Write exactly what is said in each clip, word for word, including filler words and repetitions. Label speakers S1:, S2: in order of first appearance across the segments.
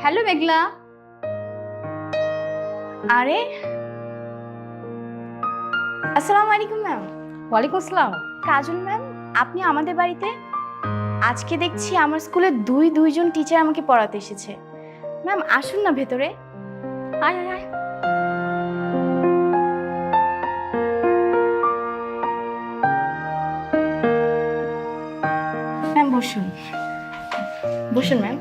S1: Hello মেঘলা। আরে আসসালামু আলাইকুম ম্যাম।
S2: ওয়ালাইকুম আসসালাম।
S1: কাজল ম্যাম, আপনি আমাদের বাড়িতে? আজকে দেখছি আমার স্কুলে দুই দুইজন টিচার আমাকে পড়াতে এসেছে। ম্যাম আসুন না ভেতরে।
S2: আয় আয় আয়।
S1: ম্যাম বসুন, বসুন ম্যাম।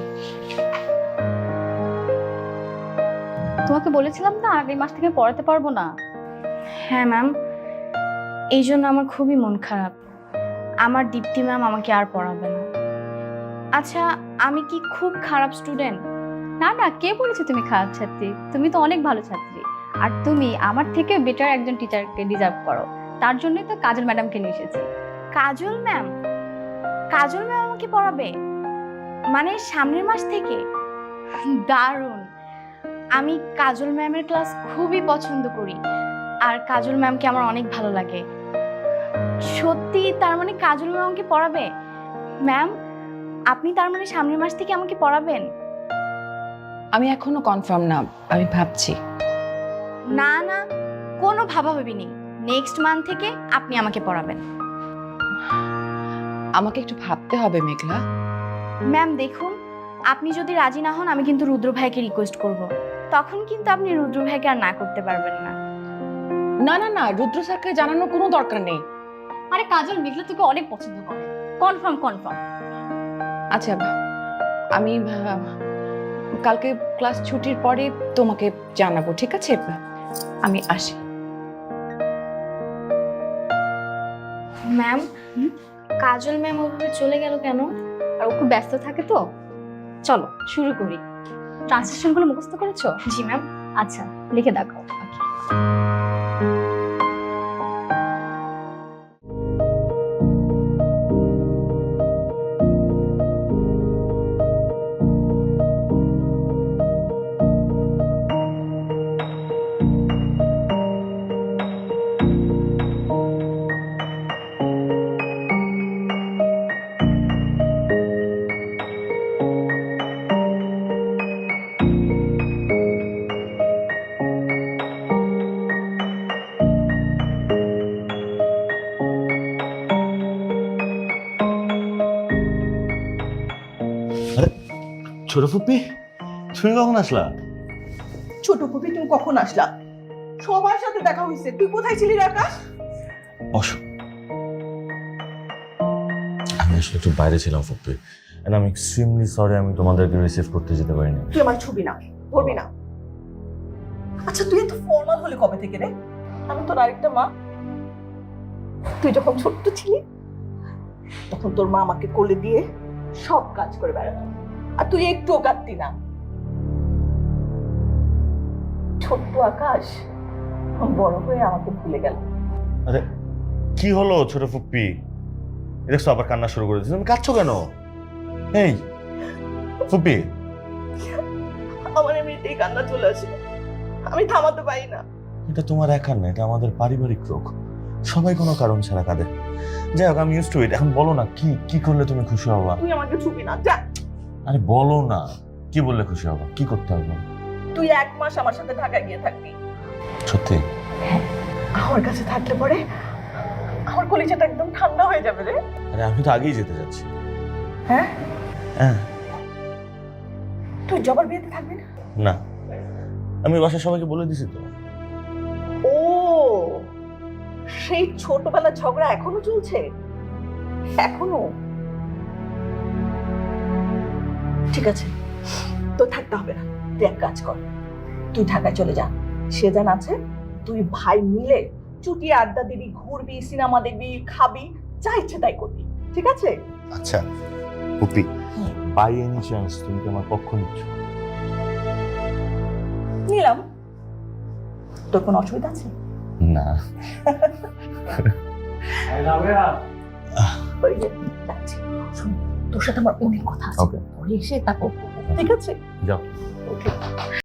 S2: তোমাকে বলেছিলাম না আগামী মাস থেকে পড়াতে পারবো না।
S1: হ্যাঁ ম্যাম, এই জন্য আমার খুবই মন খারাপ। আমার দীপ্তি ম্যাম আমাকে আর পড়াবে না। আচ্ছা, আমি কি খুব খারাপ স্টুডেন্ট?
S2: না না, কে বলেছে তুমি খারাপ ছাত্রী? তুমি তো অনেক ভালো ছাত্রী। আর তুমি আমার থেকে বেটার একজন টিচারকে ডিজার্ভ করো। তার জন্যই তো কাজল ম্যাডামকে নিয়ে এসেছি।
S1: কাজল ম্যাম? কাজল ম্যাম আমাকে পড়াবে মানে সামনের মাস থেকে? দারুণ। আমি কাজল ম্যামের ক্লাস খুবই পছন্দ করি, আর কাজল ম্যামকে আমার অনেক ভালো লাগে। সত্যি? তার মানে কাজল ম্যাম আমাকে পড়াবে? ম্যাম, আপনি তার মানে সামনের মাস থেকে আমাকে পড়াবেন?
S3: আমি এখনো কনফার্ম না, আমি ভাবছি।
S1: না না, কোনো ভাবাভাবি নেই। নেক্সট মান্থ থেকে আপনি আমাকে পড়াবেন।
S3: আমাকে একটু ভাবতে হবে মেঘলা।
S1: ম্যাম দেখুন, আপনি যদি রাজি না হন আমি কিন্তু রুদ্র ভাইকে রিকোয়েস্ট করব। তখন কিন্তু আপনি রুদ্র ভাইকে আর না করতে পারবেন না।
S3: না না না, রুদ্র স্যারকে জানানোর কোনো দরকার নেই।
S2: আরে কাজল, মেঘলা তোকে অনেক পছন্দ করে। Confirm confirm.
S3: আচ্ছা, আমি আহ, কালকে ক্লাস ছুটির পরে তোমাকে জানাবো, ঠিক আছে? আমি আসি।
S1: ম্যাম, কাজল ম্যাম ওভাবে চলে গেল কেন?
S2: আর ও খুব ব্যস্ত থাকে তো। চলো শুরু করি। ট্রান্সলেশনগুলো মুখস্থ করেছো?
S1: জি ম্যাম।
S2: আচ্ছা, লিখে দেখাও।
S4: ছোট ফুপি, তুমি কখন আসলা?
S5: ছোট ফুপি, তুমি কখন আসলা? সবার সাথে দেখা হয়েছে, তুই কোথায় ছিলি রে আকাশ?
S4: বসো। আমি আসলে একটু বাইরে ছিলাম ফুপি, এন্ড আমি এক্সট্রিমলি সরি আমি তোমাদেরকে রিসিভ করতে যেতে পারিনি।
S5: তুই আমার ছবি না ধরবি না। আচ্ছা, তুই এত ফর্মাল হলে কবে থেকে রে? আমি তোর আরেকটা মা। তুই যখন ছোট্ট ছিলি তখন তোর মা আমাকে কোলে দিয়ে সব কাজ করে বেড়াতো, আর তুই একটুও কাঁদতি না। ছোট্ট আকাশ বড় হয়ে আমাকে ভুলে গেল।
S4: আরে কি হলো ছোট ফুপি? দেখছো আবার কান্না শুরু করে দিয়েছো। তুমি কাঁদছো কেন? এই ফুপি,
S5: আমার এমনিতেই কান্না চলে আসে, আমি থামাতে পারি না।
S4: এটা তোমার একার না, এটা আমাদের পারিবারিক রোগ। সবাই কোনো কারণ ছাড়া কাঁদে। যাই হোক, আমি ইউজ টু ইট। এখন বলো না, কি কি করলে তুমি খুশি হবা?
S5: তুই আমাকে ছবি না, যা।
S4: আরে বলো না, কি বললে খুশি হবা? কি করতে হবে?
S5: তুই এক মাস আমার সাথে ঢাকায় গিয়ে থাকবি।
S4: সত্যি?
S5: আমার কাছে থাকলে পরে আমার কলিজাটা একদম ঠান্ডা হয়ে যাবে রে।
S4: আরে আমি তো আগেই যেতে যাচ্ছি।
S5: হ্যাঁ,
S4: হ্যাঁ।
S5: তুই জবার বিয়েতে থাকবি না?
S4: না, আমি বাসায় সবাইকে বলে দিছি তো।
S5: ও, সেই ছোটবেলার ঝগড়া এখনো চলছে? এখনো? ঠিক আছে, তো থাকতে হবে না। তুই এক কাজ কর, তুই ঢাকায় চলে যা। সেজান আছে, তুই ভাই মিলে চুটিয়ে আড্ডা দিবি, ঘুরবি, সিনেমা দেখবি, খাবি, যা ইচ্ছে তাই করবি, ঠিক আছে?
S4: আচ্ছা পুপি, বাই এনি চান্স তুমি কি আমার পক্ষ নিচ্ছ?
S5: নিলাম। তোর কোনো অসুবিধা আছে?
S4: না।
S5: ওই যে যাচ্ছি, শোন, তোর সাথে আমার অনেক কথা আছে।
S4: ওকে।
S5: পরে এসে তারপর, ঠিক আছে?
S4: যাও।
S5: ওকে।